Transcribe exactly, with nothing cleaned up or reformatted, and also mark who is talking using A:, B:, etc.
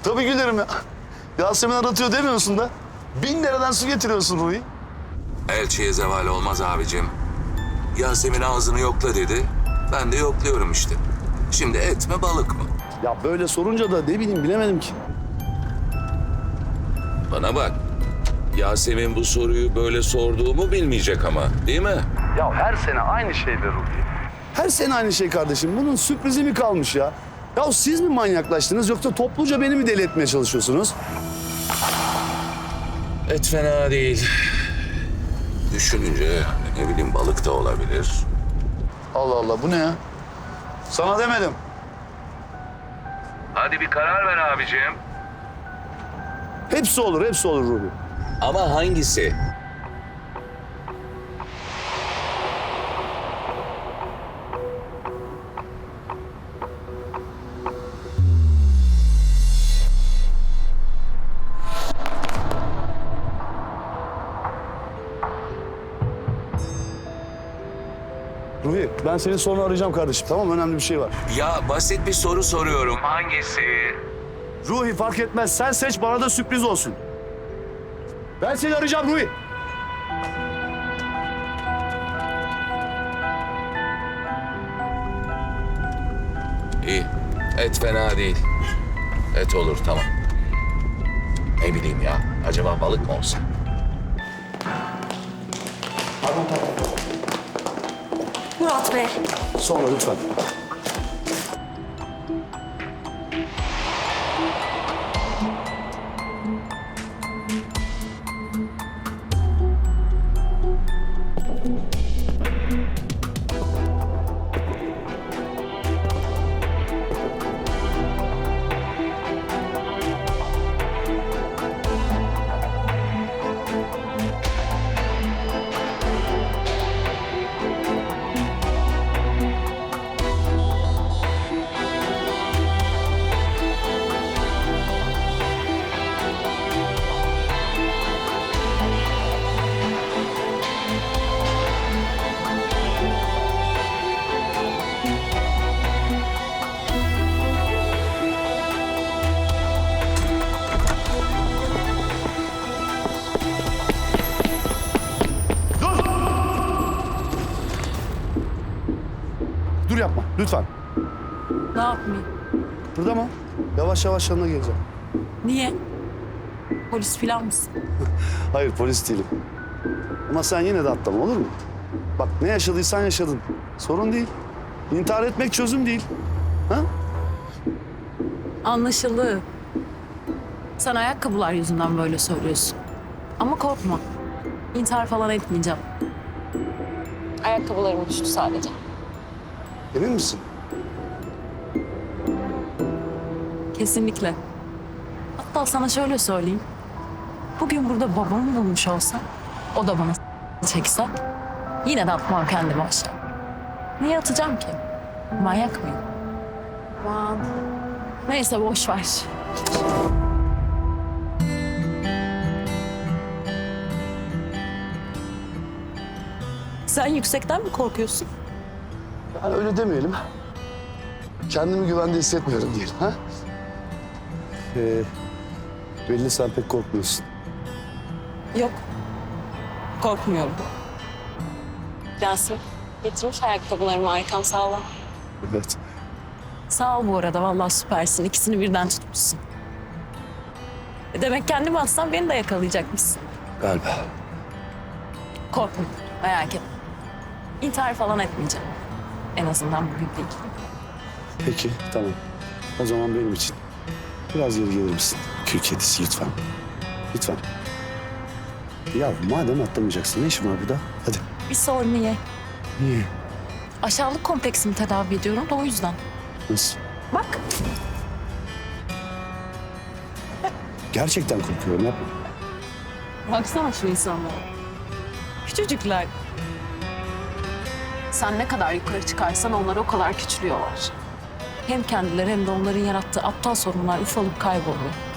A: Tabii gülerim ya. Yasemin aratıyor demiyorsun da. Bin dereden su getiriyorsun Ruhi.
B: Elçiye zeval olmaz abicim. Yasemin ağzını yokla dedi. Ben de yokluyorum işte. Şimdi et mi balık mı?
A: Ya böyle sorunca da ne bileyim bilemedim ki.
B: Bana bak. Yasemin bu soruyu böyle sorduğumu bilmeyecek ama, değil mi?
A: Ya her sene aynı şeyler Ruhi. Her sene aynı şey kardeşim. Bunun sürprizi mi kalmış ya? Ya siz mi manyaklaştınız yoksa topluca beni mi deli etmeye çalışıyorsunuz?
B: Et fena değil. Düşününce ne bileyim balık da olabilir.
A: Allah Allah bu ne ya? Sana demedim.
B: Hadi bir karar ver abicim.
A: Hepsi olur, hepsi olur Ruhi.
B: Ama hangisi?
A: Ruhi ben seni sonra arayacağım kardeşim tamam mı? Önemli bir şey var.
B: Ya basit bir soru soruyorum. Hangisi?
A: Ruhi fark etmez. Sen seç bana da sürpriz olsun. Ben seni arayacağım Ruhi.
B: İyi. Et fena değil. Et olur tamam. Ne bileyim ya. Acaba balık mı olsa?
C: Murat Bey.
A: Sonra lütfen. Dur yapma lütfen.
C: Ne yapmayayım?
A: Burada mı? Yavaş yavaş yanına geleceğim.
C: Niye? Polis filan mısın?
A: Hayır polis değilim. Ama sen yine de atlama olur mu? Bak ne yaşadıysan yaşadın. Sorun değil. İntihar etmek çözüm değil. Ha?
C: Anlaşıldı. Sen ayakkabılar yüzünden böyle söylüyorsun. Ama korkma. İntihar falan etmeyeceğim. Ayakkabılarım düştü sadece.
A: Emin misin?
C: Kesinlikle. Hatta sana şöyle söyleyeyim. Bugün burada babamı bulmuş olsam, o da bana çekse, yine de atmam kendimi aşağı. Niye atacağım ki? Manyak mıyım? Aman. Neyse boş ver. Sen yüksekten mi korkuyorsun?
A: Yani öyle demeyelim. Kendimi güvende hissetmiyorum diyelim. Ha? Ee, belli sen pek korkmuyorsun.
C: Yok. Korkmuyorum. Yasin, getirmiş ayakkabılarımı arkam sağ ol.
A: Evet.
C: Sağ ol bu arada, vallahi süpersin. İkisini birden tutmuşsun. E demek kendimi atsam beni de yakalayacakmışsın.
A: Galiba.
C: Korkma, merak etme. İntihar falan etmeyeceğim. En azından bugün değil.
A: Peki tamam. O zaman benim için biraz geri gelir misin? Kül kedisi lütfen. Lütfen. Ya madem atlamayacaksın ne işin var burada? Hadi.
C: Bir sor niye?
A: Niye?
C: Aşağılık kompleksimi tedavi ediyorum da o yüzden.
A: Nasıl?
C: Bak,
A: Gerçekten korkuyorum yapma.
C: baksana şu insanlara. Küçücükler. Sen ne kadar yukarı çıkarsan onlar o kadar küçülüyorlar. Hem kendileri hem de onların yarattığı aptal sorunlar ufalıp kayboluyor.